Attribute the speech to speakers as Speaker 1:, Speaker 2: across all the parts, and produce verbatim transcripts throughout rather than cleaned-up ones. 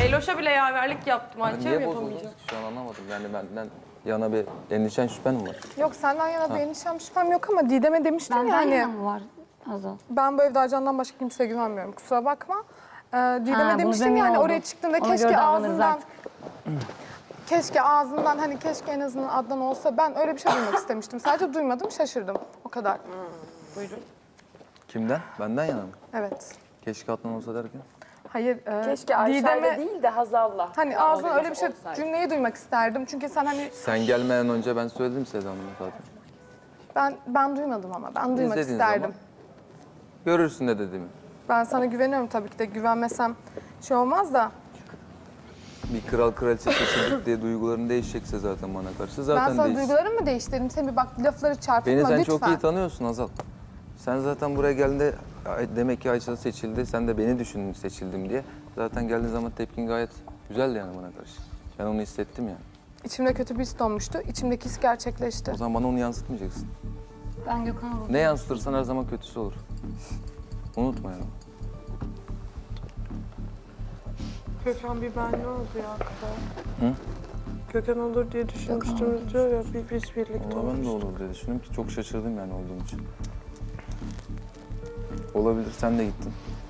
Speaker 1: Leyloş'a bile yaverlik yaptım.
Speaker 2: Ben
Speaker 1: Ayça
Speaker 2: niye
Speaker 1: yapamayacağım.
Speaker 2: bozuldunuz ki şu an anlamadım. Yani benden yana bir endişen şüphen mi var?
Speaker 3: Yok senden yana bir endişem şüphem yok ama Didem'e demiştim
Speaker 4: Benden
Speaker 3: yani.
Speaker 4: yana mı var Hazal?
Speaker 3: Ben bu evde Ercan'dan başka kimseye güvenmiyorum. Kusura bakma. Ee, Didem'e
Speaker 4: Ha, bunu
Speaker 3: demiştim
Speaker 4: emin
Speaker 3: yani
Speaker 4: oldum.
Speaker 3: oraya çıktığında
Speaker 4: Ona
Speaker 3: keşke
Speaker 4: göre davranırız
Speaker 3: ağzından...
Speaker 4: artık.
Speaker 3: Keşke ağzından hani keşke en azından Adnan olsa ben öyle bir şey duymak istemiştim. Sadece duymadım şaşırdım. O kadar.
Speaker 1: Buyurun.
Speaker 2: Kimden? Benden yana mı?
Speaker 3: Evet.
Speaker 2: Keşke Adnan olsa derken.
Speaker 3: Hayır. E,
Speaker 5: Keşke Ayşe'yle
Speaker 3: Didem'e
Speaker 5: değil de Hazal'la.
Speaker 3: hani ağzından öyle bir şey cümleyi duymak isterdim. Çünkü sen hani
Speaker 2: Sen gelmeden önce ben söyledim Seda Hanım'a zaten.
Speaker 3: ben ben duymadım ama ben duymak
Speaker 2: İzlediğin
Speaker 3: isterdim.
Speaker 2: zaman görürsün ne dediğimi.
Speaker 3: Ben sana güveniyorum tabii ki de güvenmesem şey olmaz da.
Speaker 2: Bir kral kraliçe seçildik diye duyguların değişecekse zaten bana karşı zaten
Speaker 3: Ben sana
Speaker 2: değişsin.
Speaker 3: duygularımı mı değiştirdim? Sen bir bak lafları çarpıtma
Speaker 2: Beni sen
Speaker 3: lütfen.
Speaker 2: çok iyi tanıyorsun Hazal. Sen zaten buraya geldiğinde "Ay, demek ki Ayça seçildi, sen de beni düşündün seçildim diye. Zaten geldiğin zaman tepkin gayet güzeldi yani bana karşı. Ben onu hissettim yani.
Speaker 3: İçimde kötü bir his donmuştu. İçimdeki his gerçekleşti.
Speaker 2: O zaman bana onu yansıtmayacaksın.
Speaker 4: Ben Gökhan'a bakıyorum.
Speaker 2: Ne yansıtırsan her zaman kötüsü olur. Unutma yani.
Speaker 6: Gökhan bir ben ne oldu ya kadar?
Speaker 2: Hı?
Speaker 6: Gökhan olur diye düşünmüştüm diyor ya bir biz birlikte
Speaker 2: Valla ben de
Speaker 6: olmuştuk.
Speaker 2: olur diye düşündüm ki çok şaşırdım yani olduğum için. Olabilir, sen de gittin.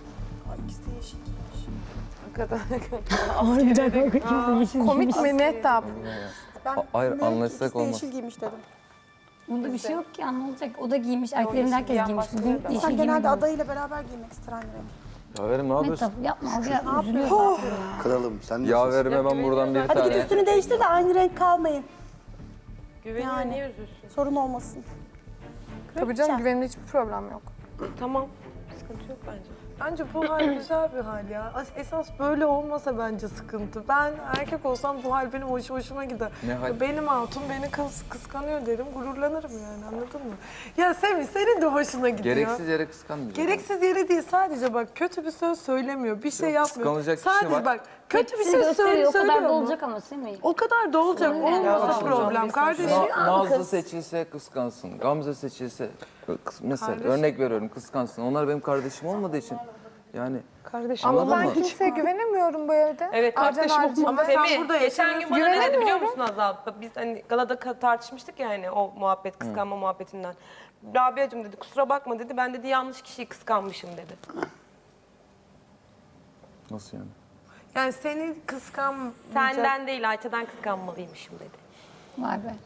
Speaker 3: Komik mi Mehtap?
Speaker 2: A- Hayır, anlaşsak olmaz.
Speaker 7: Yeşil giymiş dedim.
Speaker 4: Bunda bir şey yok ki ya, ne olacak? O da giymiş, erkeklerin herkes giymiş. Bugün yeşil
Speaker 7: Sen genelde
Speaker 4: giymedim.
Speaker 7: adayıyla beraber giymek ister aynı renk.
Speaker 2: Yaverim ne yapıyorsun?
Speaker 4: Mehtap yapma, o biraz üzülüyor zaten ya.
Speaker 8: Kralım sen de
Speaker 2: Yaverim hemen buradan bir
Speaker 7: Hadi git
Speaker 2: tane.
Speaker 7: üstünü değiştir de aynı renk kalmayın.
Speaker 1: Güveniyor,
Speaker 7: Yani.
Speaker 1: niye üzülsün?
Speaker 7: Sorun olmasın.
Speaker 3: Tabii canım güvenimde hiçbir problem yok.
Speaker 1: Tamam. Sıkıntı yok bence.
Speaker 6: Bence bu hal güzel bir hal ya. Esas böyle olmasa bence sıkıntı. Ben erkek olsam bu hal benim hoş, hoşuma gider.
Speaker 2: Ne hal?
Speaker 6: Benim hatun beni kıs, kıskanıyor derim, gururlanırım yani anladın mı? Ya Semih senin de hoşuna gidiyor.
Speaker 2: Gereksiz yere kıskanmayacağım.
Speaker 6: Gereksiz yere değil sadece bak kötü bir söz söylemiyor, bir şey
Speaker 2: Yok,
Speaker 6: yapmıyor.
Speaker 2: kıskanılacak kişi
Speaker 6: Sadece
Speaker 2: var.
Speaker 6: bak kötü bir
Speaker 4: Tepkisi
Speaker 6: şey
Speaker 4: gösteriyor,
Speaker 6: söyle,
Speaker 4: o kadar
Speaker 6: söylüyor
Speaker 4: da
Speaker 6: mu?
Speaker 4: olacak ama Semih.
Speaker 6: O kadar da olacak, olmasa problem kardeşim.
Speaker 2: Na- Nazlı seçilse kıskansın, Gamze seçilse, kıs- mesela örnek veriyorum kıskansın. Onlar benim kardeşim olmadığı için yani
Speaker 6: Kardeşim
Speaker 3: Ama
Speaker 2: Anladın
Speaker 3: ben
Speaker 2: mı?
Speaker 3: kimseye güvenemiyorum bu evde.
Speaker 1: Evet
Speaker 3: Ercan
Speaker 1: kardeşim
Speaker 3: haricinde.
Speaker 1: ama
Speaker 6: sen
Speaker 1: Semih
Speaker 6: burada
Speaker 1: geçen gün bana ne dedi biliyor
Speaker 3: Güvenemiyorum.
Speaker 1: musun Azal? Biz hani galada ka- tartışmıştık ya hani o muhabbet kıskanma muhabbetinden. Rabia'cığım dedi kusura bakma dedi ben dedi yanlış kişiyi kıskanmışım dedi.
Speaker 2: nasıl yani?
Speaker 6: Yani seni kıskan
Speaker 1: Senden değil Ayça'dan kıskanmalıymışım dedi.
Speaker 4: Vay be.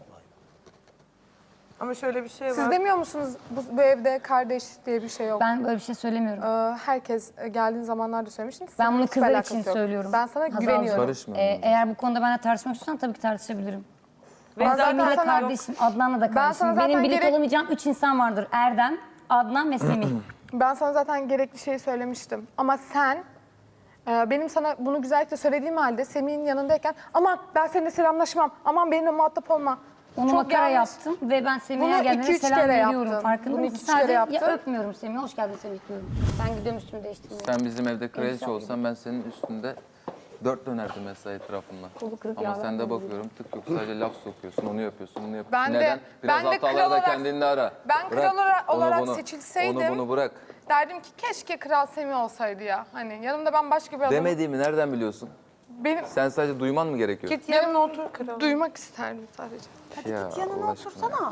Speaker 6: ama şöyle bir şey var.
Speaker 3: Siz demiyor musunuz bu, bu evde kardeş diye bir şey yok?
Speaker 4: Ben böyle bir şey söylemiyorum.
Speaker 3: Ee, herkes e, geldiğin zamanlarda söylemiştin.
Speaker 4: Ben bunu
Speaker 3: Hiçbir
Speaker 4: kızlar
Speaker 3: alakası
Speaker 4: için
Speaker 3: yok.
Speaker 4: söylüyorum.
Speaker 3: Ben sana
Speaker 4: Hazal
Speaker 3: güveniyorum.
Speaker 2: Karışmıyorum.
Speaker 4: Ee, eğer bu konuda benimle tartışmak istiyorsan tabii ki tartışabilirim.
Speaker 1: Ve
Speaker 3: Ben zaten
Speaker 4: Semih'le
Speaker 3: sana-
Speaker 4: kardeşim, Adnan'la da kardeşim.
Speaker 3: sana zaten
Speaker 4: Benim birlikte
Speaker 3: gerek-
Speaker 4: olamayacağım üç insan vardır. Erdem, Adnan ve Semih.
Speaker 3: Ben sana zaten gerekli şeyi söylemiştim. Ama sen e, benim sana bunu güzellikle söylediğim halde Semih'in yanındayken aman ben seninle selamlaşmam, aman benimle muhatap olma.
Speaker 4: Onu
Speaker 3: Çok
Speaker 4: makara
Speaker 3: yanlış.
Speaker 4: yaptım ve ben Semih'e
Speaker 3: Bunu
Speaker 4: geldiğinde
Speaker 3: iki, üç
Speaker 4: selam
Speaker 3: kere
Speaker 4: veriyorum.
Speaker 3: yaptın.
Speaker 4: Farkında
Speaker 3: Bunu
Speaker 4: mısın?
Speaker 3: iki, üç kere
Speaker 4: Sadece ya
Speaker 3: yaptın.
Speaker 4: öpmüyorum Semih'e, hoş geldin Semih diyorum. Ben gidiyorum üstümü değiştirmeye.
Speaker 2: Sen bizim evde kraliçe
Speaker 4: İnsan
Speaker 2: olsan ben senin üstünde dört dönerdim mesela etrafından. Ama sen de bakıyorum tık yok sadece laf sokuyorsun, onu yapıyorsun, bunu yapıyorsun.
Speaker 3: Ben de-
Speaker 2: Neden? Biraz
Speaker 3: ben de
Speaker 2: hataları
Speaker 3: kral
Speaker 2: da
Speaker 3: olarak-
Speaker 2: kendinde ara.
Speaker 3: Ben
Speaker 2: Bırak,
Speaker 3: kral olarak-
Speaker 2: onu
Speaker 3: olarak
Speaker 2: bunu,
Speaker 3: seçilseydim-
Speaker 2: Onu bunu bırak.
Speaker 3: Derdim ki keşke Kral Semih olsaydı ya. Hani yanımda ben başka bir adam.
Speaker 2: Demediğimi nereden biliyorsun?
Speaker 3: Benim
Speaker 2: Sen sadece duyman mı gerekiyor?
Speaker 6: Git yanına otur kral.
Speaker 3: duymak isterdim sadece.
Speaker 7: Hadi
Speaker 2: Ya,
Speaker 7: git yanına
Speaker 2: Allah aşkına.
Speaker 7: otursana.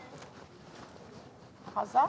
Speaker 7: Hazal.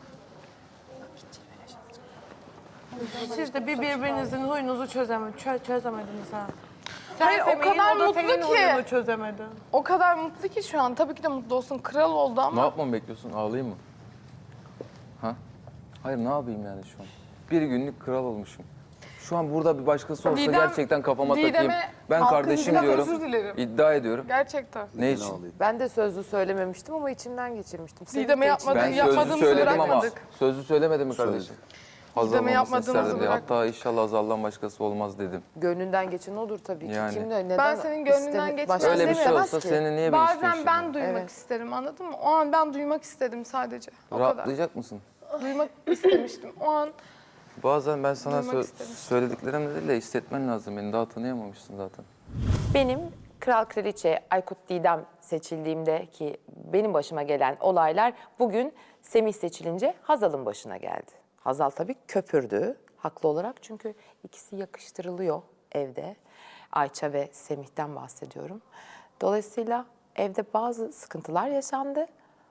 Speaker 6: Siz de bir birbirinizin huyunuzu çözeme, çö çözemediniz ha. Sen
Speaker 3: Hayır, o
Speaker 6: Semih'in,
Speaker 3: kadar
Speaker 6: o da
Speaker 3: mutlu
Speaker 6: senin
Speaker 3: ki.
Speaker 6: huyunu çözemedi.
Speaker 3: O kadar mutlu ki şu an. Tabii ki de mutlu olsun. Kral oldu
Speaker 2: Ne
Speaker 3: ama.
Speaker 2: yapmamı bekliyorsun? Ağlayayım mı? Ha? Hayır ne yapayım yani şu an? Bir günlük kral olmuşum. Şu an burada bir başkası olsa
Speaker 3: Didem-
Speaker 2: gerçekten kafama
Speaker 3: Didem'e
Speaker 2: takayım. Ben
Speaker 3: halkın
Speaker 2: kardeşim
Speaker 3: izniyle
Speaker 2: diyorum.
Speaker 3: özür dilerim.
Speaker 2: İddia ediyorum.
Speaker 3: Gerçekten.
Speaker 2: Ne için?
Speaker 5: Ben de sözlü söylememiştim ama içimden geçirmiştim. Semih
Speaker 3: Didem'e
Speaker 5: de
Speaker 3: yapmadı-
Speaker 2: Ben
Speaker 5: içinden-
Speaker 2: sözlü
Speaker 3: yapmadığımızı
Speaker 2: söyledim ama
Speaker 3: bırakmadık.
Speaker 2: sözlü söylemedim mi kardeşim? Hazal
Speaker 3: Didem'e
Speaker 2: olmasını
Speaker 3: yapmadığımızı
Speaker 2: isterdim diye.
Speaker 3: bırak-
Speaker 2: Hatta inşallah Hazal'dan başkası olmaz dedim.
Speaker 5: Gönlünden geçen odur tabii ki.
Speaker 2: Yani.
Speaker 5: Kim de neden
Speaker 3: Ben senin gönlünden
Speaker 5: istemi-
Speaker 3: geçmez
Speaker 5: başkası
Speaker 2: Öyle bir şey
Speaker 5: istemez
Speaker 2: olsa
Speaker 5: ki?
Speaker 2: senin niye beni
Speaker 3: Bazen
Speaker 2: istiyorsun?
Speaker 3: ben duymak
Speaker 5: Evet.
Speaker 3: isterim anladın mı? O an ben duymak istedim sadece. O kadar.
Speaker 2: Rahatlayacak mısın?
Speaker 3: Duymak istemiştim. O an
Speaker 2: Bazen ben sana
Speaker 3: Duymak
Speaker 2: sö-
Speaker 3: istemiştim.
Speaker 2: söylediklerimle değil de hissetmen lazım. Beni daha tanıyamamışsın zaten.
Speaker 5: Benim Kral Kraliçe Aykut Didem seçildiğimde ki benim başıma gelen olaylar bugün Semih seçilince Hazal'ın başına geldi. Hazal tabii köpürdü haklı olarak çünkü ikisi yakıştırılıyor evde. Ayça ve Semih'ten bahsediyorum. Dolayısıyla evde bazı sıkıntılar yaşandı.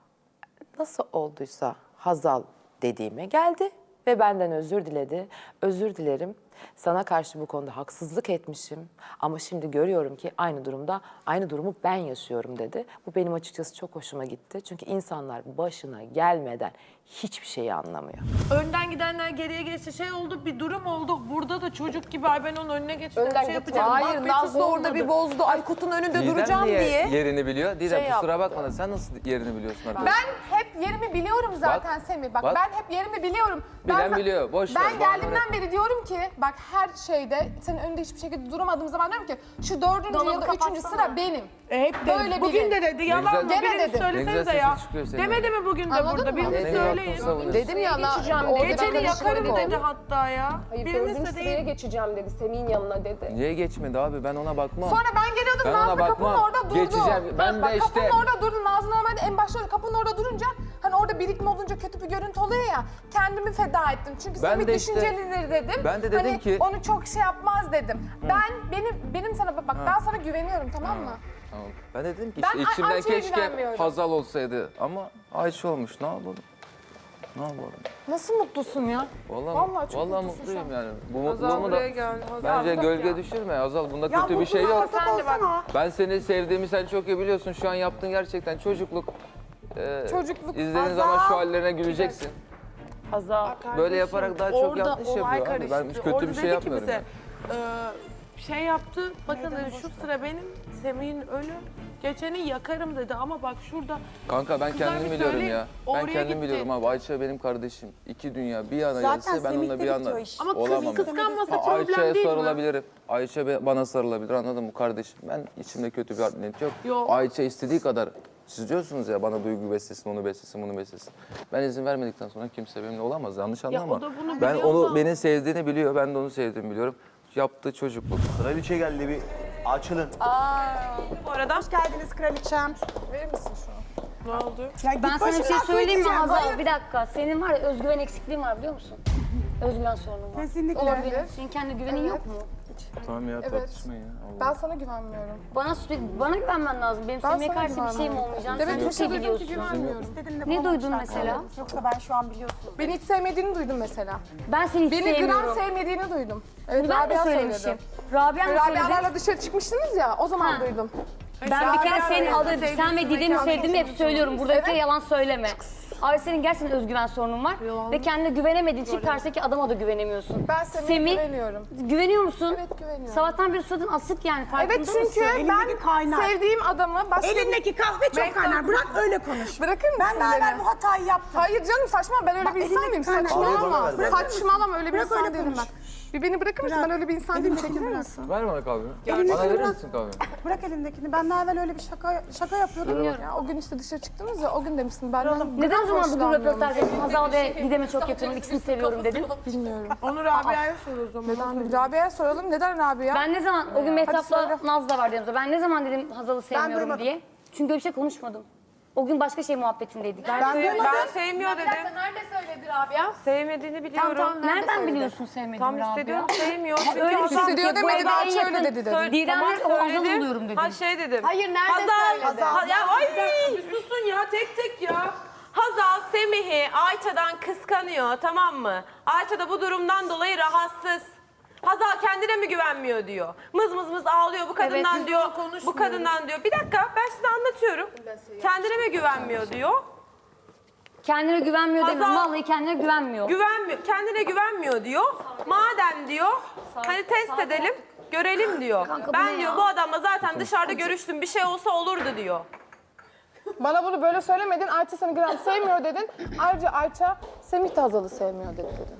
Speaker 5: Nasıl olduysa Hazal dediğime geldi ve benden özür diledi. Özür dilerim. Sana karşı bu konuda haksızlık etmişim ama şimdi görüyorum ki aynı durumda aynı durumu ben yaşıyorum dedi. Bu benim açıkçası çok hoşuma gitti. Çünkü insanlar başına gelmeden hiçbir şeyi anlamıyor.
Speaker 6: Önden gidenler geriye geçti. Şey oldu, bir durum oldu. Burada da çocuk gibi ay ben onun önüne geçeceğim.
Speaker 5: Önden
Speaker 6: şey
Speaker 5: gitme.
Speaker 6: yapacağım.
Speaker 5: Hayır,
Speaker 6: Muhabbeti
Speaker 5: Nazlı orada bir
Speaker 6: olmadı.
Speaker 5: bozdu. Aykut'un önünde
Speaker 2: Didem
Speaker 5: duracağım
Speaker 2: niye
Speaker 5: diye.
Speaker 2: yerini biliyor? Didem
Speaker 5: Şey
Speaker 2: kusura
Speaker 5: yaptı.
Speaker 2: bakma da sen nasıl yerini biliyorsun arkadaş?
Speaker 3: Ben hep yerimi biliyorum zaten
Speaker 2: Bak,
Speaker 3: Semih. Bak,
Speaker 2: bak.
Speaker 3: ben hep yerimi biliyorum.
Speaker 2: Bilen
Speaker 3: Ben-
Speaker 2: biliyor, boş ver,
Speaker 3: Ben
Speaker 2: bana
Speaker 3: geldiğimden beri diyorum ki bak her şeyde senin önünde hiçbir şekilde duramadığım zaman diyorum ki şu dördüncü
Speaker 4: Dolabı
Speaker 3: ya da üçüncü
Speaker 4: kapatsana.
Speaker 3: sıra benim.
Speaker 6: E, hep de,
Speaker 3: Böyle
Speaker 6: bugün
Speaker 3: biri.
Speaker 6: de dedi. Yalan mı?
Speaker 2: güzel-
Speaker 3: Gene
Speaker 6: Biriniz
Speaker 3: dedim.
Speaker 2: Ne
Speaker 6: söylesenize
Speaker 2: güzel
Speaker 6: ya.
Speaker 2: sesin çıkıyor senin.
Speaker 6: Demedi mi bugün de
Speaker 3: Anladın
Speaker 6: burada?
Speaker 3: mı?
Speaker 6: Biriniz
Speaker 2: Ne güzel
Speaker 6: söyleyin.
Speaker 2: hakkını savunuyorsun.
Speaker 3: Dedim ya na-
Speaker 8: geçeceğim
Speaker 3: orada
Speaker 8: dedi.
Speaker 6: Geceni
Speaker 3: ben
Speaker 6: yakarım
Speaker 3: karıştırdım.
Speaker 6: dedi hatta ya.
Speaker 8: Hayır
Speaker 6: Biriniz
Speaker 8: dördüncü
Speaker 6: de
Speaker 8: sıraya
Speaker 6: değil.
Speaker 8: geçeceğim dedi. Semih'in yanına dedi.
Speaker 2: Niye geçmedi abi? Ben ona bakmam.
Speaker 3: Sonra ben geliyordum
Speaker 2: Ben ona
Speaker 3: Nazlı kapının
Speaker 2: bakmam.
Speaker 3: orada durdu.
Speaker 2: Geçeceğim. Ben
Speaker 3: bak,
Speaker 2: de
Speaker 3: kapının
Speaker 2: işte-
Speaker 3: orada durdu. Nazlı normalde en başta öyle kapının orada durunca hani orada birikme olunca kötü bir görüntü oluyor ya. Kendimi feda ettim. Çünkü
Speaker 2: Ben
Speaker 3: Semih
Speaker 2: de işte-
Speaker 3: düşüncelidir dedim.
Speaker 2: ben de dedim
Speaker 3: hani
Speaker 2: ki-
Speaker 3: onu çok şey yapmaz dedim. Ben benim benim sana bak ben sana güveniyorum tamam mı?
Speaker 2: Tamam. Ben de dedim ki
Speaker 3: Ben
Speaker 2: işte
Speaker 3: Ay-
Speaker 2: içimden
Speaker 3: Ayça'ya
Speaker 2: keşke
Speaker 3: güvenmiyorum.
Speaker 2: Hazal olsaydı ama Ayça olmuş. Ne yapalım? Ne yapalım?
Speaker 3: Nasıl mutlusun ya?
Speaker 2: Vallahi,
Speaker 3: Vallahi çok
Speaker 2: vallahi
Speaker 3: mutlusun
Speaker 2: mutluyum
Speaker 3: şu an.
Speaker 2: yani. Bu
Speaker 6: Hazal
Speaker 2: mutluluğumu da
Speaker 6: buraya gel. Hazal.
Speaker 2: bence gölge düşürme Hazal. Bunda
Speaker 7: Ya
Speaker 2: kötü bir şey yok.
Speaker 7: Sen de bak.
Speaker 2: Ben seni sevdiğimi sen çok iyi biliyorsun. Şu an yaptığın gerçekten çocukluk. Ee,
Speaker 3: Çocukluk.
Speaker 2: İzlediğin zaman şu hallerine güleceksin.
Speaker 6: Hazal.
Speaker 2: Böyle yaparak daha çok
Speaker 6: Orada
Speaker 2: yanlış
Speaker 6: olay
Speaker 2: yapıyor abi. Ben
Speaker 6: karıştı.
Speaker 2: kötü
Speaker 6: Orada
Speaker 2: bir şey
Speaker 6: dedi ki
Speaker 2: yapmıyorum.
Speaker 6: bize,
Speaker 2: ben.
Speaker 6: e, şey yaptı, bakın dedi, şu sıra benim, Semih'in önü, geçeni yakarım dedi ama bak şurada
Speaker 2: Kanka ben
Speaker 6: Kızlar
Speaker 2: kendim
Speaker 6: bir
Speaker 2: biliyorum
Speaker 6: söyleyin,
Speaker 2: ya. Ben
Speaker 6: oraya
Speaker 2: kendim
Speaker 6: gitti.
Speaker 2: biliyorum abi. Ayça benim kardeşim. İki dünya bir yana
Speaker 7: Zaten
Speaker 2: gelse ben
Speaker 7: Semih'te
Speaker 2: onunla bir yana
Speaker 7: bitiyor iş.
Speaker 6: ama kız
Speaker 2: olamam.
Speaker 6: kıskanması
Speaker 2: Ha,
Speaker 6: problem
Speaker 2: Ayça'ya
Speaker 6: değil mi?
Speaker 2: sarılabilirim. Ayça be- bana sarılabilir anladın mı kardeşim? Ben içimde kötü bir art niyet yok.
Speaker 6: Yok.
Speaker 2: Ayça istediği kadar siz diyorsunuz ya bana duygu beslesin, onu beslesin, bunu beslesin. Ben izin vermedikten sonra kimse benimle olamaz. Yanlış
Speaker 6: Ya
Speaker 2: anlama.
Speaker 6: o da bunu
Speaker 2: Ben
Speaker 6: biliyor
Speaker 2: onu
Speaker 6: ama-
Speaker 2: beni sevdiğini biliyor. Ben de onu sevdiğimi biliyorum. Yaptığı çocukluk.
Speaker 9: Kraliçe geldi bir açılın.
Speaker 1: Bu arada
Speaker 7: Hoş geldiniz kraliçem.
Speaker 3: Verir misin şunu?
Speaker 6: ne oldu?
Speaker 7: Ya git
Speaker 4: Ben sana bir şey
Speaker 7: başımdan
Speaker 4: söyleyeyim mi
Speaker 7: söyleyeceğim.
Speaker 4: Hazal?
Speaker 7: Hayır.
Speaker 4: Bir dakika. Senin var ya özgüven eksikliğin var biliyor musun? Özgüven sorunun var.
Speaker 7: Kesinlikle.
Speaker 3: Olabilir.
Speaker 4: Senin kendi güvenin
Speaker 3: Evet.
Speaker 4: yok mu?
Speaker 2: Tamam ya
Speaker 3: Evet.
Speaker 2: tartışmayın ya. Allah.
Speaker 3: Ben sana güvenmiyorum.
Speaker 4: Bana sürekli bana güvenmen lazım. Benim
Speaker 3: Ben
Speaker 4: Semih'e
Speaker 3: sana
Speaker 4: karşı bir şeyim
Speaker 3: güvenmiyorum.
Speaker 4: olmayacağını
Speaker 3: Evet,
Speaker 4: sen çok
Speaker 3: bir şey
Speaker 4: iyi
Speaker 3: duydum ki
Speaker 4: biliyorsun.
Speaker 3: güvenmiyorum.
Speaker 7: İstediğimde
Speaker 4: Ne duydun
Speaker 7: bulamamışlar.
Speaker 4: mesela?
Speaker 7: Yoksa ben şu an biliyorsunuz.
Speaker 3: Beni hiç sevmediğini duydum mesela.
Speaker 4: Ben seni hiç
Speaker 3: Beni gram
Speaker 4: sevmiyorum.
Speaker 3: sevmediğini duydum. Evet,
Speaker 4: Ben de
Speaker 3: Rabia
Speaker 4: söylemişim.
Speaker 3: söyledi.
Speaker 4: Rabia mı söyledi?
Speaker 3: Rabia'larla dışarı çıkmıştınız ya, o zaman
Speaker 4: Ha.
Speaker 3: duydum.
Speaker 4: Ben bir kere
Speaker 3: Rabia
Speaker 4: senin
Speaker 3: söyledi.
Speaker 4: adını, sen ve Didem'i sevdiğimi hep söylüyorum. Burada bir kere
Speaker 3: Evet.
Speaker 4: yalan söyleme. Ay senin gerçekten özgüven sorunun var. Ve kendine güvenemediğin için karşıdaki adama da güvenemiyorsun.
Speaker 3: Ben Semih'e güveniyorum.
Speaker 4: Güveniyor musun?
Speaker 3: Evet, güveniyorum.
Speaker 4: Sabahtan beri suratın asık yani farkında
Speaker 3: Evet çünkü
Speaker 4: mısın?
Speaker 7: Elindeki
Speaker 3: ben
Speaker 7: kaynar.
Speaker 3: sevdiğim adamı başka
Speaker 7: Elindeki kahve çok kaynar. Bırak öyle konuş.
Speaker 3: Bırakır mısın
Speaker 7: Ben daha
Speaker 3: beni?
Speaker 7: evvel bu hatayı yaptım.
Speaker 3: Hayır canım saçma, ben öyle
Speaker 7: Bak,
Speaker 3: bir insan
Speaker 7: elindeki
Speaker 3: değilim.
Speaker 7: kaynar.
Speaker 3: Saçmalama.
Speaker 9: Kahveyi bana ver.
Speaker 3: Saçmalama, öyle bir
Speaker 7: Bırak
Speaker 3: insan
Speaker 7: öyle
Speaker 3: değilim
Speaker 7: konuş.
Speaker 3: ben. Bir beni bırakır mısın?
Speaker 7: Bırak.
Speaker 3: Ben öyle bir insan değilim.
Speaker 7: Elindekini
Speaker 3: Çekilir
Speaker 7: bırak.
Speaker 3: misin?
Speaker 2: Ver bana kahve.
Speaker 7: Elindekini
Speaker 2: Bana verir
Speaker 7: bırak.
Speaker 2: misin kahve?
Speaker 7: Bırak elindekini. Ben daha evvel öyle bir şaka şaka yapıyordum.
Speaker 3: Ya, o gün işte dışarı çıktınız ya, o gün demişsin. Benden
Speaker 4: Neden o zaman bugün
Speaker 3: hoşlanmıyormuş.
Speaker 4: röportaj yaptın? Hazal ve Didem'e çok yakınım, ikisini seviyorum dedin.
Speaker 3: Bilmiyorum.
Speaker 6: Onu Rabia'ya sor o zaman.
Speaker 3: Neden? Rabia'ya soralım. Neden Rabia?
Speaker 4: Ben ne zaman, o gün
Speaker 3: söyle.
Speaker 4: Mehtap'la Naz da vardı yanımızda. Ben ne zaman dedim Hazal'ı sevmiyorum
Speaker 7: duymadım.
Speaker 4: diye. Çünkü öyle bir şey konuşmadım. O gün başka şey muhabbetindeydik.
Speaker 3: Ben
Speaker 1: ben
Speaker 3: duymadım.
Speaker 1: sevmiyor dedim.
Speaker 3: Nerede söyledi Rabia?
Speaker 1: Sevmediğini biliyorum.
Speaker 3: Tamam, nerede
Speaker 4: Nereden
Speaker 3: söyledi?
Speaker 4: biliyorsun sevmediğimi
Speaker 1: Tam
Speaker 4: Rabia?
Speaker 1: hissediyorum sevmiyor. Çünkü
Speaker 4: öyle bir
Speaker 1: Hazal-
Speaker 4: şey
Speaker 3: Hissediyor
Speaker 4: ki bu
Speaker 3: demedi,
Speaker 4: evde
Speaker 3: daha
Speaker 4: en
Speaker 3: şöyle
Speaker 4: yakın
Speaker 3: dedi dedi.
Speaker 1: Söyle-
Speaker 4: Didem'le
Speaker 1: Tamam,
Speaker 4: o Hazal
Speaker 1: söyledim.
Speaker 4: oluyorum dedim.
Speaker 1: Ha şey dedim.
Speaker 3: Hayır, nerede
Speaker 1: Hazal,
Speaker 3: söyledi?
Speaker 1: Ha- ya ay.
Speaker 6: Bir susun ya tek tek ya.
Speaker 1: Hazal Semih'i Ayça'dan kıskanıyor, tamam mı? Ayça da bu durumdan dolayı rahatsız. Hazal kendine mi güvenmiyor diyor. Mız mız mız ağlıyor bu kadından
Speaker 6: biz
Speaker 1: diyor.
Speaker 6: bunu konuşmuyoruz.
Speaker 1: Bu kadından diyor. Bir dakika ben size anlatıyorum. Kendine mi güvenmiyor diyor.
Speaker 4: Kendine güvenmiyor
Speaker 1: Hazal-
Speaker 4: demiyorum. Vallahi kendine güvenmiyor.
Speaker 1: Güvenmiyor, kendine güvenmiyor diyor. Madem diyor, hani test edelim, görelim diyor.
Speaker 4: Kanka, bu
Speaker 1: Ben
Speaker 4: ne
Speaker 1: diyor
Speaker 4: ya?
Speaker 1: bu adamla zaten dışarıda görüştüm, bir şey olsa olurdu diyor.
Speaker 3: Bana bunu böyle söylemedin. Ayça seni gram sevmiyor dedin. Ayrıca Ayça Semih de Hazal'ı sevmiyor dedi dedin.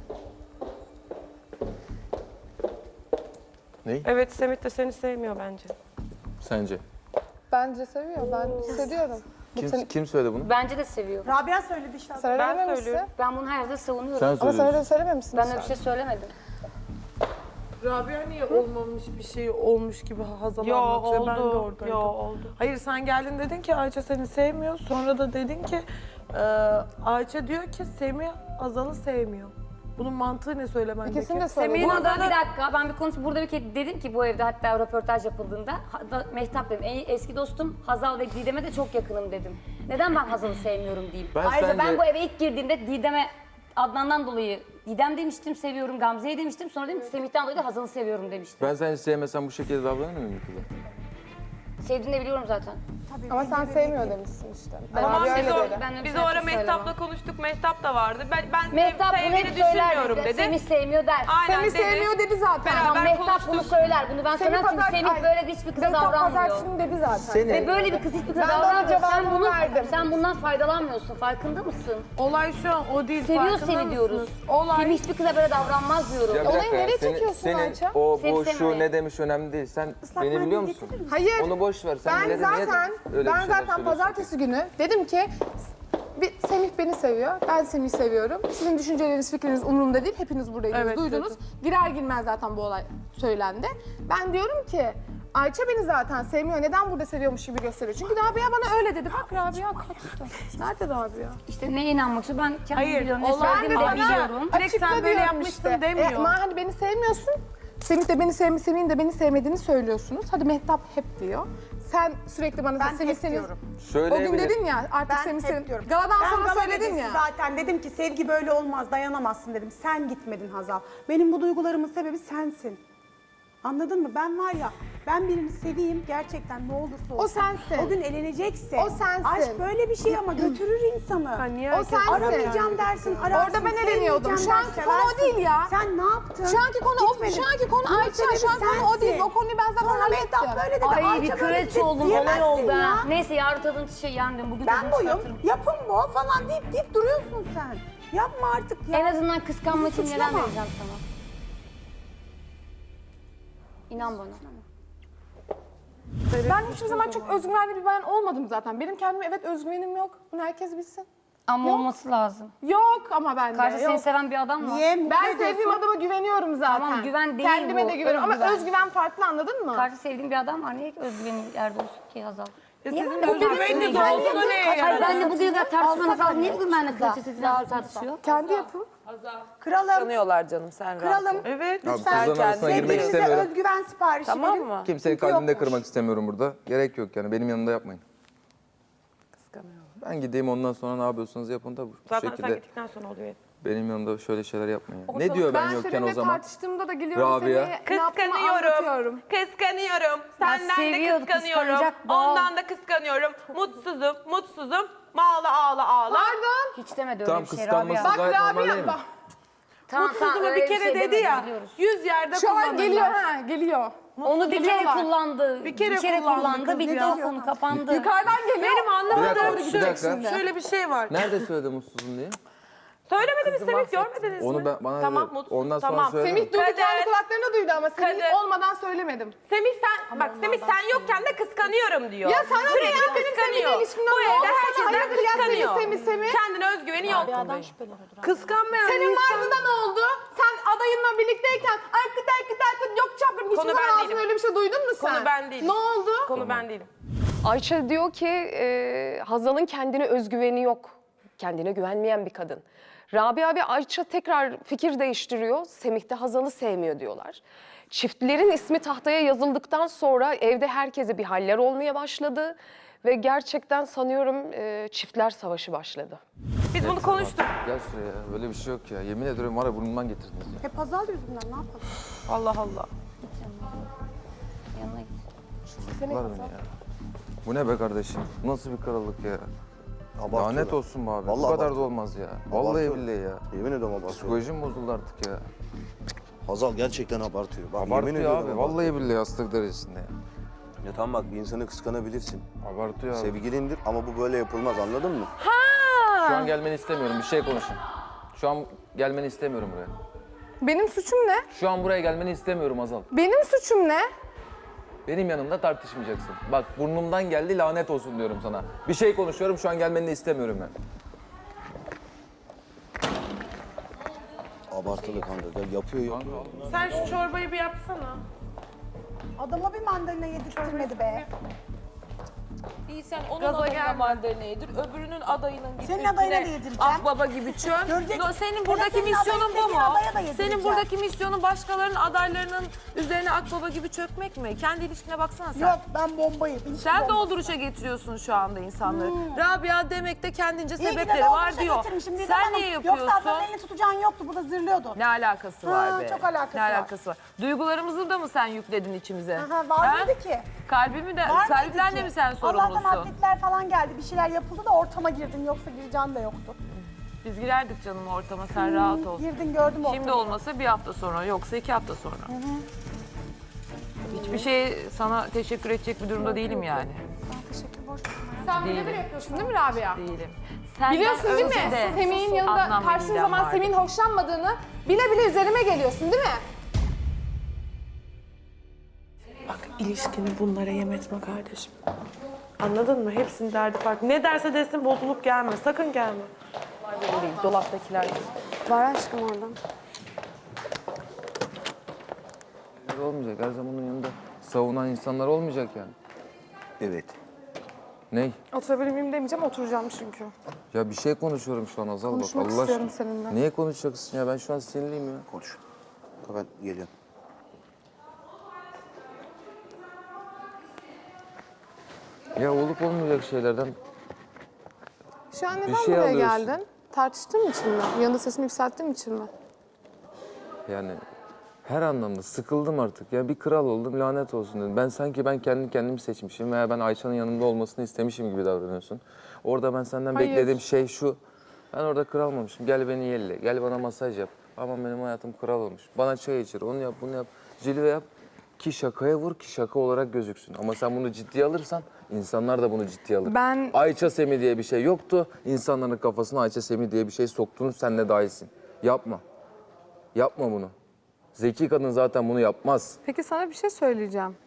Speaker 2: Ne?
Speaker 1: Evet, Semih de seni sevmiyor bence.
Speaker 2: Sence?
Speaker 3: Bence seviyor. Ben hissediyorum. Bu
Speaker 2: Kim,
Speaker 3: seni...
Speaker 2: kim söyledi bunu?
Speaker 4: Bence de seviyor.
Speaker 7: Rabia söyledi işte.
Speaker 3: Sana
Speaker 1: Ben
Speaker 3: dememişsin.
Speaker 1: söylüyorum.
Speaker 4: Ben bunu her yerde savunuyorum.
Speaker 2: Sen
Speaker 3: Ama sana
Speaker 2: söylüyorsun.
Speaker 3: da söylememişsin.
Speaker 4: Ben öyle bir şey söylemedim.
Speaker 6: Rabia niye olmamış bir şey olmuş gibi Hazal
Speaker 1: Yo
Speaker 6: anlatıyor. Ben de
Speaker 1: oldu,
Speaker 6: oradaydım.
Speaker 1: yo oldu.
Speaker 6: Hayır sen geldin dedin ki Ayça seni sevmiyor. Sonra da dedin ki e, Ayça diyor ki Semih Hazal'ı sevmiyor. Bunun mantığı ne söylemen
Speaker 3: İkisini de
Speaker 6: gerekiyor?
Speaker 3: söyledim.
Speaker 4: Burada
Speaker 6: Burada
Speaker 4: bir
Speaker 6: da-
Speaker 4: dakika ben bir konuş burada bir kere dedim ki bu evde hatta röportaj yapıldığında ha- da- Mehtap dedim en eski dostum Hazal ve Didem'e de çok yakınım dedim. Neden ben Hazal'ı sevmiyorum diyeyim.
Speaker 2: Ben
Speaker 4: Ayrıca
Speaker 2: sence-
Speaker 4: ben bu eve ilk girdiğimde Didem'e Adnan'dan dolayı Didem demiştim seviyorum, Gamze'yi demiştim. Sonra dedim ki Semih'ten dolayı da Hazal'ı seviyorum demiştim.
Speaker 2: Ben seni sevmesem bu şekilde davranır mıyım kıza?
Speaker 4: Sevdiğini de biliyorum zaten.
Speaker 3: Ama sen sevmiyor demişsin işte.
Speaker 1: Tamam
Speaker 3: Rabia
Speaker 1: biz
Speaker 3: öyle
Speaker 1: o,
Speaker 3: dedi.
Speaker 4: Ben de
Speaker 1: biz
Speaker 4: bir
Speaker 1: o ara
Speaker 4: şarkı
Speaker 1: Mehtap'la
Speaker 4: söylemem.
Speaker 1: konuştuk. Mehtap da vardı. Ben, ben
Speaker 4: Mehtap bunu
Speaker 1: sevdiğini
Speaker 4: hep söyler
Speaker 1: düşünmüyorum
Speaker 4: dedi.
Speaker 1: dedi.
Speaker 4: Semih sevmiyor der.
Speaker 1: Aynen
Speaker 3: Semih
Speaker 1: dedi.
Speaker 3: sevmiyor dedi zaten.
Speaker 1: Beraber
Speaker 4: Tamam, Mehtap bunu
Speaker 1: konuştuk.
Speaker 4: söyler. Bunu ben söylemem çünkü
Speaker 3: pazar-
Speaker 4: Semih
Speaker 3: Ay,
Speaker 4: böyle hiçbir kıza
Speaker 3: Mehtap
Speaker 4: davranmıyor.
Speaker 3: pazartesi dedi zaten.
Speaker 4: Ve böyle bir kız hiçbir kıza
Speaker 3: Ben de ona
Speaker 4: davranmıyor. Sen,
Speaker 3: cevabımı
Speaker 4: bunu,
Speaker 3: verdim.
Speaker 4: sen bundan faydalanmıyorsun. Farkında mısın?
Speaker 6: Olay şu an o değil.
Speaker 4: Seviyor
Speaker 6: farkında
Speaker 4: seni
Speaker 6: mısınız?
Speaker 4: diyoruz.
Speaker 6: Olay
Speaker 4: Semih hiçbir kıza böyle davranmaz diyorum.
Speaker 2: Ya bir
Speaker 3: Olayı
Speaker 2: dakika ya,
Speaker 3: nereye
Speaker 2: senin-
Speaker 3: çekiyorsun
Speaker 2: senin
Speaker 3: Ayça?
Speaker 2: o
Speaker 4: Sevip
Speaker 2: bu şu
Speaker 4: sevmemeye.
Speaker 2: ne demiş önemli değil. Sen beni
Speaker 7: mendil
Speaker 2: biliyor musun?
Speaker 7: getirir misin?
Speaker 3: Hayır.
Speaker 2: Onu boş ver. Sen
Speaker 3: Ben
Speaker 2: millete niye
Speaker 3: zaten,
Speaker 2: öyle bir
Speaker 3: ben
Speaker 2: şeyler
Speaker 3: zaten
Speaker 2: söylüyorsun?
Speaker 3: pazartesi günü dedim ki bir, Semih beni seviyor, ben Semih'i seviyorum. Sizin düşünceleriniz, fikriniz umurumda değil. Hepiniz buradaydınız,
Speaker 6: Evet,
Speaker 3: duydunuz.
Speaker 6: dedim.
Speaker 3: Girer girmez zaten bu olay söylendi. Ben diyorum ki Ayça beni zaten sevmiyor. Neden burada seviyormuş gibi gösteriyor? Çünkü Rabia bana öyle dedi. Bak Rabia kaçtı. Nerede Rabia?
Speaker 4: İşte neye inanmak istiyor? Ben kendim
Speaker 6: Hayır,
Speaker 4: biliyorum. Ne
Speaker 6: olay-
Speaker 4: söylediğimi
Speaker 6: Ben
Speaker 4: de
Speaker 6: de
Speaker 4: biliyorum.
Speaker 6: Direkt sen
Speaker 3: Açıkla
Speaker 6: böyle
Speaker 3: diyorum
Speaker 6: yapmışsın demiyor.
Speaker 3: E, ama hani beni sevmiyorsun. Semih de beni sevmi, Semih'in de beni sevmediğini söylüyorsunuz. Hadi Mehtap hep diyor. Sen sürekli bana
Speaker 7: Ben
Speaker 3: Semih
Speaker 7: hep
Speaker 3: senin...
Speaker 7: diyorum.
Speaker 3: O gün
Speaker 2: Söyleyebilir.
Speaker 3: dedin ya artık
Speaker 7: Ben
Speaker 3: Semih
Speaker 7: hep
Speaker 3: senin...
Speaker 7: diyorum.
Speaker 3: Galadan
Speaker 7: ben
Speaker 3: sonra
Speaker 7: gala
Speaker 3: söyledin
Speaker 7: gecesi
Speaker 3: ya.
Speaker 7: zaten dedim ki sevgi böyle olmaz, dayanamazsın dedim. Sen gitmedin Hazal. Benim bu duygularımın sebebi sensin. Anladın mı? Ben var ya, ben birini seveyim gerçekten ne olursa olsun.
Speaker 3: O sensin.
Speaker 7: O gün eleneceksin.
Speaker 3: O sensin.
Speaker 7: Aşk böyle bir şey ama götürür insanı.
Speaker 6: niye
Speaker 3: O
Speaker 6: herkes-
Speaker 3: sensin.
Speaker 7: Aramayacağım dersin, ararsın.
Speaker 3: Orada ben eleniyordum. Şu anki
Speaker 7: sevmeyeceğim
Speaker 3: konu o
Speaker 7: dersin,
Speaker 3: değil ya.
Speaker 7: Sen ne yaptın?
Speaker 3: Şu anki konu o,
Speaker 7: Gitmedin.
Speaker 3: şu anki konu
Speaker 7: Bunun
Speaker 3: Ayça,
Speaker 7: sebebi
Speaker 3: şu anki konu o değil.
Speaker 7: sensin.
Speaker 3: O konuyu ben zaten
Speaker 7: Sonra
Speaker 3: hallettim.
Speaker 7: Mehtap böyle dedi.
Speaker 4: Ay bir
Speaker 7: Ayça böyle
Speaker 4: kraliçe
Speaker 7: dedi
Speaker 4: oldum, olay
Speaker 7: diyemezsin
Speaker 4: oldu
Speaker 7: ya.
Speaker 4: ha. Neyse yarın tadın şey yendim. Bugün
Speaker 7: Ben
Speaker 4: tadını
Speaker 7: buyum,
Speaker 4: çıkartırım.
Speaker 7: yapım bu falan deyip deyip duruyorsun sen. Yapma artık ya.
Speaker 4: En azından kıskanma için
Speaker 7: Bizi
Speaker 4: neler
Speaker 7: suçlama.
Speaker 4: vereceğim sana. İnan bana.
Speaker 3: Ben hiçbir zaman çok özgüvenli bir bayan olmadım zaten. Benim kendime evet özgüvenim yok. Bunu herkes bilsin.
Speaker 4: Ama
Speaker 3: Yok.
Speaker 4: olması lazım.
Speaker 3: Yok ama bende
Speaker 4: Karşı seni
Speaker 3: yok.
Speaker 4: seven bir adam var.
Speaker 7: Niye? Mutlu
Speaker 3: Ben
Speaker 7: ediyorsun.
Speaker 3: sevdiğim adama güveniyorum zaten.
Speaker 4: Tamam, güven değil
Speaker 3: Kendime
Speaker 4: bu,
Speaker 3: de güveniyorum ama
Speaker 4: özgüven.
Speaker 3: özgüven farklı anladın mı?
Speaker 4: Karşı sevdiğim bir adam var. Niye özgüvenin yerde olsun ki Hazal? Niye
Speaker 6: sizin
Speaker 4: bana
Speaker 6: özgüveniniz
Speaker 4: tartışmaya
Speaker 6: olsa
Speaker 4: giriyorsun?
Speaker 6: neye
Speaker 4: Hayır
Speaker 6: yarar?
Speaker 4: ben de bugüne kadar tartışmanız
Speaker 3: Alsak
Speaker 4: lazım. Niye
Speaker 3: hani.
Speaker 4: bugün benimle kalitesiz tartışıyor?
Speaker 3: Kendi yapım.
Speaker 7: Kralım,
Speaker 5: Tanıyorlar canım sen rahat
Speaker 7: kralım.
Speaker 5: ol.
Speaker 6: Evet.
Speaker 2: Abi
Speaker 7: Lütfen
Speaker 2: kızların arasına girmek
Speaker 7: sevgilinize
Speaker 2: istemiyorum.
Speaker 7: özgüven siparişi
Speaker 5: Tamam
Speaker 7: verin.
Speaker 5: mı?
Speaker 2: Kimsenin
Speaker 7: Çünkü
Speaker 2: kalbinde
Speaker 7: yokmuş.
Speaker 2: kırmak istemiyorum burada. Gerek yok yani. Benim yanımda yapmayın.
Speaker 5: Kıskanıyorum.
Speaker 2: Ben gideyim ondan sonra ne yapıyorsunuz yapın da bu
Speaker 1: Zaten sen
Speaker 2: şekilde
Speaker 1: gittikten sonra oluyor.
Speaker 2: benim yanımda şöyle şeyler yapmayın. ya. Ne diyor ben,
Speaker 3: Ben
Speaker 2: yokken
Speaker 3: seninle
Speaker 2: o zaman?
Speaker 3: tartıştığımda da geliyorum
Speaker 2: Rabia.
Speaker 3: Semih'e ne yaptığımı
Speaker 1: Kıskanıyorum.
Speaker 3: anlatıyorum.
Speaker 1: Kıskanıyorum. Senden de
Speaker 4: seviyor,
Speaker 1: kıskanıyorum.
Speaker 4: kıskanacak doğal.
Speaker 1: Ondan da kıskanıyorum. Mutsuzum, mutsuzum. Ağla ağla ağla.
Speaker 3: Pardon.
Speaker 4: Hiç demedi öyle
Speaker 2: Tamam,
Speaker 4: bir şey
Speaker 2: kıskanması
Speaker 4: Rabia.
Speaker 3: Bak
Speaker 2: gayet normal değil
Speaker 3: Rabia
Speaker 2: mi?
Speaker 3: bak.
Speaker 4: Tamam, tamam,
Speaker 1: Mutsuzumu
Speaker 4: öyle
Speaker 1: bir kere
Speaker 4: şey
Speaker 1: dedi
Speaker 4: demedi,
Speaker 1: ya.
Speaker 4: biliyoruz.
Speaker 1: Yüz yerde
Speaker 3: Şu an
Speaker 1: kullanırlar.
Speaker 3: geliyor ha geliyor.
Speaker 4: Onu bir kere
Speaker 3: Geliyorlar.
Speaker 4: kullandı.
Speaker 6: Bir kere kullandı
Speaker 4: kullandı.
Speaker 6: kız
Speaker 4: Bir de
Speaker 6: ya.
Speaker 4: o konu kapandı.
Speaker 3: Yukarıdan geliyor.
Speaker 6: Benim
Speaker 2: Bir dakika,
Speaker 6: anlamadığım
Speaker 2: bir
Speaker 6: şu,
Speaker 2: dakika.
Speaker 6: şöyle bir şey var.
Speaker 2: Nerede söyledi mutsuzum diye?
Speaker 1: Söylemediniz Semih, görmediniz mi?
Speaker 2: Onu ben- bana
Speaker 1: tamam,
Speaker 2: dedi.
Speaker 1: mutsuz.
Speaker 2: Ondan sonra
Speaker 1: tamam.
Speaker 2: söyle.
Speaker 3: Semih duydu
Speaker 1: Kader.
Speaker 3: kendi kulaklarına duydu ama Semih
Speaker 1: Kader.
Speaker 3: olmadan söylemedim.
Speaker 1: Semih sen, bak Semih sen yokken de kıskanıyorum diyor.
Speaker 3: Ya sana ne
Speaker 1: Sürekli
Speaker 3: ya? Benim
Speaker 1: kıskanıyor.
Speaker 3: seninle ilişkimden
Speaker 1: Bu
Speaker 3: ne
Speaker 1: evde
Speaker 3: oldu sana?
Speaker 1: herkesten
Speaker 3: Hayırdır ya Semih,
Speaker 1: kıskanıyor.
Speaker 3: Semih, Semih?
Speaker 1: Kendine özgüveni yok.
Speaker 6: Kıskanmayan
Speaker 3: Senin
Speaker 6: insan...
Speaker 3: vardı da ne oldu? Sen adayınla birlikteyken arkıt arkıt arkıt yok çapkın hiçbir
Speaker 1: Konu
Speaker 3: zaman
Speaker 1: ben
Speaker 3: ağzına
Speaker 1: değilim.
Speaker 3: öyle bir şey duydun mu sen?
Speaker 1: Konu ben değilim.
Speaker 3: Ne oldu?
Speaker 1: Konu ben değilim.
Speaker 8: Ayça diyor ki e, Hazal'ın kendine özgüveni yok. Kendine güvenmeyen bir kadın. Rabia ve Ayça tekrar fikir değiştiriyor. Semih de Hazal'ı sevmiyor diyorlar. Çiftlerin ismi tahtaya yazıldıktan sonra evde herkese bir haller olmaya başladı. Ve gerçekten sanıyorum e, çiftler savaşı başladı.
Speaker 1: Biz bunu konuştuk.
Speaker 2: Gel şuraya ya. Böyle bir şey yok ya. Yemin ediyorum var ya burnumdan getirdiniz ya.
Speaker 7: Hep Hazal yüzünden ne yapalım?
Speaker 1: Allah Allah.
Speaker 4: Yanına git.
Speaker 2: Var beni ya. Bu ne be kardeşim? Bu nasıl bir krallık ya?
Speaker 9: Abartıyorlar.
Speaker 2: Lanet olsun be abi.
Speaker 9: Vallahi
Speaker 2: Bu kadar da
Speaker 9: abartıyor.
Speaker 2: olmaz ya. Vallahi
Speaker 9: Abartıyor.
Speaker 2: billahi ya.
Speaker 9: Yemin ediyorum abartıyor.
Speaker 2: Psikolojim bozuldu artık ya.
Speaker 9: Hazal gerçekten abartıyor. Bak, yemin
Speaker 2: Abartıyor
Speaker 9: ediyorum
Speaker 2: abi.
Speaker 9: abartıyor.
Speaker 2: Vallahi billahi hastalık derecesinde ya.
Speaker 9: Ya tamam bak bir insanı kıskanabilirsin.
Speaker 2: Abartıyor abi.
Speaker 9: Sevgilindir ama bu böyle yapılmaz anladın mı?
Speaker 2: Şu an gelmeni istemiyorum. Bir şey konuşun. Şu an gelmeni istemiyorum buraya.
Speaker 3: Benim suçum ne?
Speaker 2: Şu an buraya gelmeni istemiyorum Azal.
Speaker 3: Benim suçum ne?
Speaker 2: Benim yanımda tartışmayacaksın. Bak burnumdan geldi lanet olsun diyorum sana. Bir şey konuşuyorum şu an gelmeni de istemiyorum ben.
Speaker 9: Abartılı kanka. Ya yapıyor yapıyor.
Speaker 6: Sen şu çorbayı bir yapsana.
Speaker 7: Adama bir mandalina yedirtmedi be.
Speaker 10: İyi sen onun
Speaker 6: Gaza
Speaker 10: adayına
Speaker 6: gelme.
Speaker 10: mandalina yedir, öbürünün adayının git
Speaker 7: Senin
Speaker 10: üstüne
Speaker 7: adayına da yedireceğim.
Speaker 10: akbaba gibi çöm.
Speaker 7: Göreceksin.
Speaker 10: No, senin
Speaker 7: Hele
Speaker 10: buradaki
Speaker 7: senin
Speaker 10: misyonun
Speaker 7: adayın
Speaker 10: bu
Speaker 7: dediğin
Speaker 10: mu?
Speaker 7: adaya da yedireceğim.
Speaker 10: Senin buradaki misyonun başkalarının adaylarının üzerine akbaba gibi çökmek mi? Kendi ilişkine baksana sen.
Speaker 7: Yok ben bombayım. İlişki
Speaker 10: Sen
Speaker 7: bombası.
Speaker 10: dolduruşa getiriyorsun şu anda insanları. Rabia demek de kendince
Speaker 7: İyi ki de
Speaker 10: sebepleri
Speaker 7: dolduruşa
Speaker 10: var diyor.
Speaker 7: getirmişim Didem
Speaker 10: Sen
Speaker 7: Hanım.
Speaker 10: niye
Speaker 7: Yoksa
Speaker 10: yapıyorsun?
Speaker 7: adamın elini tutacağın yoktu. Burada zırlıyordu.
Speaker 10: Ne alakası
Speaker 7: Ha,
Speaker 10: var be?
Speaker 7: çok alakası
Speaker 10: ne
Speaker 7: var.
Speaker 10: alakası var? Duygularımızı da mı sen yükledin içimize?
Speaker 7: Aha, var
Speaker 10: Ha?
Speaker 7: mıydı ki?
Speaker 10: Kalbimi de,
Speaker 7: Var mıydı
Speaker 10: kalbimden
Speaker 7: ki?
Speaker 10: de mi sen
Speaker 7: Allah'tan
Speaker 10: sorumlusun?
Speaker 7: atletler falan geldi. Bir şeyler yapıldı da ortama girdin. Yoksa gireceğin de yoktu.
Speaker 10: Biz girerdik canım ortama, sen rahat ol.
Speaker 7: Girdin gördüm ortamı.
Speaker 10: Şimdi olmasa bir hafta sonra, yoksa iki hafta sonra. Hiçbir şey sana teşekkür edecek bir durumda değilim yani.
Speaker 3: Sen
Speaker 10: Değilim.
Speaker 3: birebir yapıyorsun değil mi Rabia?
Speaker 10: Değilim. Senden
Speaker 3: Biliyorsun değil mi?
Speaker 10: önce de
Speaker 3: Semih'in yanında
Speaker 10: Adnan
Speaker 3: karşın
Speaker 10: Bey'den
Speaker 3: zaman
Speaker 10: vardı.
Speaker 3: Semih'in hoşlanmadığını bile bile üzerime geliyorsun değil mi?
Speaker 6: Bak ilişkini bunlara yem etme kardeşim. Anladın mı? Hepsinin derdi farklı. Ne derse desin bozulup gelme. Sakın gelme.
Speaker 10: Dolaptakiler.
Speaker 3: Var aşkım oradan.
Speaker 2: Olmayacak. Her zaman onun yanında savunan insanlar olmayacak yani.
Speaker 9: Evet.
Speaker 2: Ney?
Speaker 3: Oturabilir miyim demeyeceğim, oturacağım çünkü.
Speaker 2: Ya bir şey konuşuyorum şu an Hazal, bak
Speaker 3: Konuşmak
Speaker 2: Allah
Speaker 3: istiyorum
Speaker 2: aşkına.
Speaker 3: seninle.
Speaker 2: Niye konuşacaksın ya? Ben şu an sinirliyim ya.
Speaker 9: Konuş. Ben geliyorum.
Speaker 2: Ya olup olmayacak şeylerden
Speaker 3: Şu an neden
Speaker 2: şey
Speaker 3: buraya
Speaker 2: alıyorsun.
Speaker 3: geldin? Tartıştığın için mi? Yanında sesini yükselttiğim için mi?
Speaker 2: yani her anlamda sıkıldım artık. Ya bir kral oldum, lanet olsun dedim. Ben sanki ben kendi kendimi seçmişim veya ben Ayça'nın yanında olmasını istemişim gibi davranıyorsun. Orada ben senden
Speaker 3: Hayır.
Speaker 2: beklediğim şey şu. Ben orada kral olmuşum. Gel beni yelle, gel bana masaj yap. Aman benim hayatım kral olmuş. Bana çay içir, onu yap, bunu yap. Cilve yap ki şakaya vur ki şaka olarak gözüksün. Ama sen bunu ciddiye alırsan insanlar da bunu ciddiye alır.
Speaker 3: Ben-
Speaker 2: Ayça Semih diye bir şey yoktu. İnsanların kafasına Ayça Semih diye bir şey soktunuz, sen de dahilsin. Yapma. Yapma bunu. Zeki kadın zaten bunu yapmaz.
Speaker 3: Peki sana bir şey söyleyeceğim.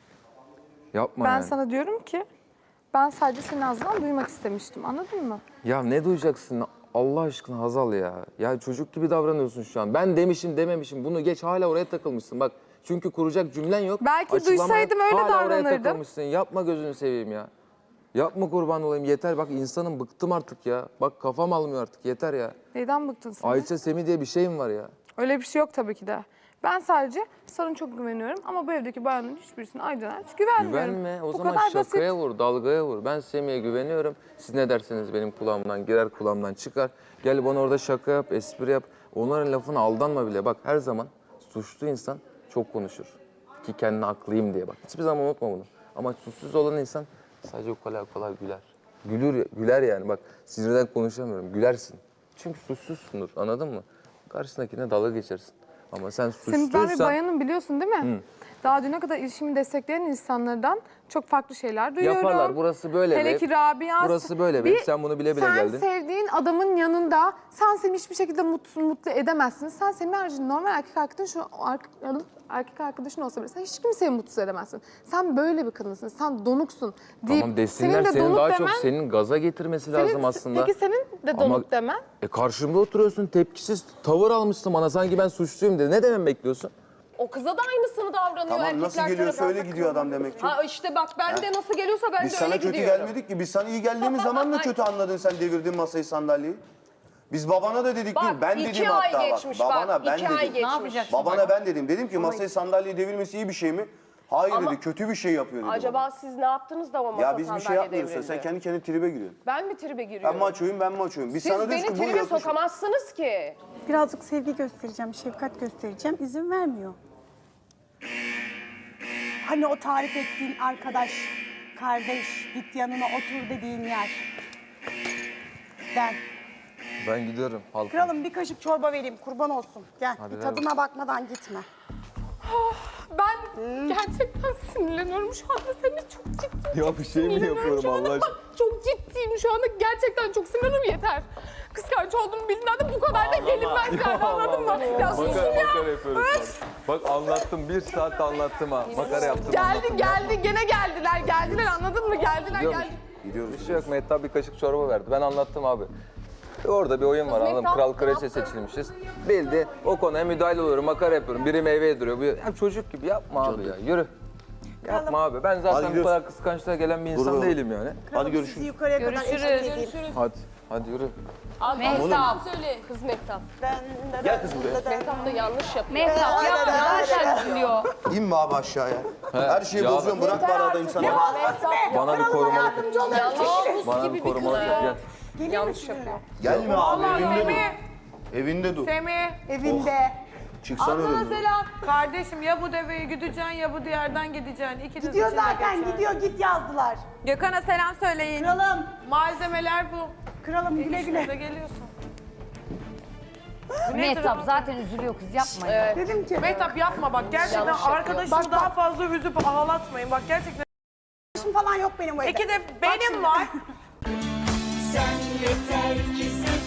Speaker 2: Yapma
Speaker 3: Ben
Speaker 2: yani.
Speaker 3: sana diyorum ki ben sadece senin ağzından duymak istemiştim. Anladın mı?
Speaker 2: Ya ne duyacaksın Allah aşkına Hazal ya. Ya çocuk gibi davranıyorsun şu an. Ben demişim dememişim bunu geç hala oraya takılmışsın bak. Çünkü kuracak cümlen yok.
Speaker 3: Belki
Speaker 2: Açıklamaya
Speaker 3: duysaydım öyle
Speaker 2: hala oraya
Speaker 3: davranırdım.
Speaker 2: takılmışsın. Yapma gözünü seveyim ya. Yapma kurban olayım yeter bak insanım bıktım artık ya. Bak kafam almıyor artık yeter ya.
Speaker 3: Neyden bıktın sen?
Speaker 2: Ayça Semih diye bir şeyim var ya.
Speaker 3: Öyle bir şey yok tabii ki de. Ben sadece sana çok güveniyorum ama bu evdeki bayanların hiçbirisine Aycan'a hiç güvenmiyorum.
Speaker 2: Güvenme o
Speaker 3: bu
Speaker 2: zaman
Speaker 3: kadar
Speaker 2: şakaya
Speaker 3: basit.
Speaker 2: vur, dalgaya vur. Ben Semih'e güveniyorum. Siz ne derseniz benim kulağımdan girer, kulağımdan çıkar. Gel bana orada şaka yap, espri yap. Onların lafına aldanma bile. Bak her zaman suçlu insan çok konuşur. Ki kendine haklıyım diye bak. Hiçbir zaman unutma bunu. Ama suçsuz olan insan sadece kolay kolay güler. Gülür, güler yani bak sinirden konuşamıyorum. Gülersin. Çünkü suçsuzsundur anladın mı? Karşısındakine dalga geçersin. Ama sen
Speaker 3: Semih ben bir
Speaker 2: suçluysan...
Speaker 3: bayanım biliyorsun değil mi? Daha düne kadar ilişkimi destekleyen insanlardan çok farklı şeyler duyuyorum.
Speaker 2: Yaparlar. Burası böyle bir
Speaker 3: Hele
Speaker 2: ev.
Speaker 3: ki Rabia.
Speaker 2: Burası böyle bir ev. Sen bunu bile bile
Speaker 3: sen
Speaker 2: geldin.
Speaker 3: Sen sevdiğin adamın yanında sen Semih'i hiçbir şekilde mutlu, mutlu edemezsin. Sen Semih haricinde normal erkek arkadaşın, erkek arkadaşın olsa bile sen hiç kimseyi mutsuz edemezsin. Sen böyle bir kadınsın. Sen donuksun. Deyip,
Speaker 2: Tamam desinler
Speaker 3: de
Speaker 2: senin
Speaker 3: donuk
Speaker 2: daha
Speaker 3: demen-
Speaker 2: çok senin gaza getirmesi lazım
Speaker 3: senin-
Speaker 2: aslında.
Speaker 3: Peki senin de
Speaker 2: Ama-
Speaker 3: donuk demen?
Speaker 2: E karşımda oturuyorsun tepkisiz tavır almışsın bana sanki ben suçluyum dedi. Ne demem bekliyorsun?
Speaker 8: O kıza da aynısını davranıyor.
Speaker 9: Tamam
Speaker 8: Erkekler
Speaker 9: nasıl geliyorsa
Speaker 8: tarafından
Speaker 9: öyle gidiyor adam demek ki.
Speaker 8: Ha işte bak ben de nasıl geliyorsa ben
Speaker 9: Biz
Speaker 8: de
Speaker 9: sana
Speaker 8: öyle
Speaker 9: kötü
Speaker 8: gidiyorum.
Speaker 9: gelmedik ki. Biz sana iyi geldiğimiz zaman da kötü anladın sen devirdin masayı sandalyeyi. Biz babana da dedik
Speaker 8: Bak
Speaker 9: değil. Ben
Speaker 8: iki
Speaker 9: dedim
Speaker 8: ay
Speaker 9: hatta
Speaker 8: geçmiş
Speaker 9: bak.
Speaker 8: bak.
Speaker 9: Babana ben
Speaker 8: iki
Speaker 9: dedim.
Speaker 8: ay geçmiş. Ne yapacaksın?
Speaker 9: Babana ben dedim. Dedim ki masayı sandalyeyi devirmesi iyi bir şey mi? Hayır
Speaker 8: Ama-
Speaker 9: dedi. Kötü bir şey yapıyor dedi.
Speaker 8: Acaba
Speaker 9: bana.
Speaker 8: siz ne yaptınız da o masa
Speaker 9: Ya biz bir şey
Speaker 8: sandalye
Speaker 9: yapmıyoruz.
Speaker 8: devrildi?
Speaker 9: Sen kendi kendine tribe giriyorsun.
Speaker 8: Ben mi tribe giriyorum?
Speaker 9: Ben maçoyum ben maçoyum. Biz
Speaker 8: Siz
Speaker 9: sana diyoruz
Speaker 8: beni
Speaker 9: ki bu
Speaker 8: tribe
Speaker 9: yakışır.
Speaker 8: sokamazsınız ki.
Speaker 7: Birazcık sevgi göstereceğim, şefkat göstereceğim. İzin vermiyor. Hani o tarif ettiğin arkadaş, kardeş, git yanına otur dediğin yer. Ben.
Speaker 2: Ben gidiyorum halkım.
Speaker 7: Kralım bir kaşık çorba vereyim, kurban olsun. Gel,
Speaker 2: Hadi
Speaker 7: bir
Speaker 2: ver
Speaker 7: tadına bakmadan gitme.
Speaker 3: Ben gerçekten sinirleniyorum şu anda. Seni çok ciddi.
Speaker 2: Ya bir şey mi yapıyorum
Speaker 3: Şu anda
Speaker 2: Allah
Speaker 3: bak, çok ciddiyim şu anda. Gerçekten çok sinirlenim yeter. Kıskanç olduğumu bildiğinden de bu kadar da gelinmez yani anladın mı? Ya susun
Speaker 2: Makara,
Speaker 3: ya.
Speaker 2: makara yapıyoruz sonra. Bak anlattım bir saat anlattım ha. Makara yaptım.
Speaker 3: Geldi geldi gene geldiler geldiler anladın mı? Geldiler
Speaker 2: Gidiyormuş.
Speaker 3: geldi.
Speaker 9: Gidiyoruz.
Speaker 2: Bir şey yok Mehtap bir kaşık çorba verdi. Ben anlattım abi. Orada bir oyun var anladın mı? Kral kraliçe seçilmişiz. Bildi o konuya müdahale oluyorum, makara yapıyorum. Biri meyve yediriyor. Bu ya çocuk gibi yapma abi ya. Yürü. Yapma abi. Ben zaten bu
Speaker 9: gidiyoruz.
Speaker 2: kadar kıskançlığa gelen bir insan
Speaker 9: Dur, dur.
Speaker 2: değilim yani.
Speaker 9: Hadi
Speaker 7: Sizi
Speaker 9: görüşürüz.
Speaker 7: yukarıya kadar eşlik edeyim.
Speaker 2: Hadi. Hadi yürü.
Speaker 4: Mehtap.
Speaker 8: Kız Mehtap.
Speaker 9: Gel kız buraya.
Speaker 8: Mehtap da yanlış yapıyor.
Speaker 4: Mehtap ya zaten üzülüyor.
Speaker 9: İnme abi aşağıya. Her şeyi
Speaker 2: ya
Speaker 9: bozuyorsun. Bırak bari adayım sana.
Speaker 2: Bana bir korumalık yap.
Speaker 7: Yardımcı olayım.
Speaker 2: Bana bir korumalık yap. Gel.
Speaker 7: Gelir
Speaker 8: Yanlış
Speaker 7: misin?
Speaker 8: yapıyor.
Speaker 9: Gelme abi. Evinde dur.
Speaker 10: Semih,
Speaker 9: Evinde dur.
Speaker 10: Semih.
Speaker 7: Evinde.
Speaker 9: Çıksana
Speaker 10: Ablana
Speaker 9: önümden.
Speaker 10: selam. Kardeşim ya bu deveyi güdeceksin ya bu diğerden gideceksin. İkiniz
Speaker 7: Gidiyor
Speaker 10: içinde
Speaker 7: zaten
Speaker 10: geçer.
Speaker 7: gidiyor git yazdılar.
Speaker 1: Gökhan'a selam söyleyin.
Speaker 7: Kralım.
Speaker 10: Malzemeler bu.
Speaker 7: Kralım güle güle.
Speaker 10: İşte geliyorsun.
Speaker 4: Mehtap zaten üzülüyor kız yapma ya.
Speaker 7: Dedim ki.
Speaker 10: Mehtap yapma bak gerçekten
Speaker 8: Yanlış yapıyor.
Speaker 10: arkadaşını
Speaker 7: Bak,
Speaker 10: daha
Speaker 7: bak.
Speaker 10: fazla üzüp ağlatmayın. Bak gerçekten.
Speaker 7: Arkadaşım falan yok benim bu evde.
Speaker 10: İki de
Speaker 7: Bak
Speaker 10: benim
Speaker 7: şimdi.
Speaker 10: var.
Speaker 11: Sen yeter ki sen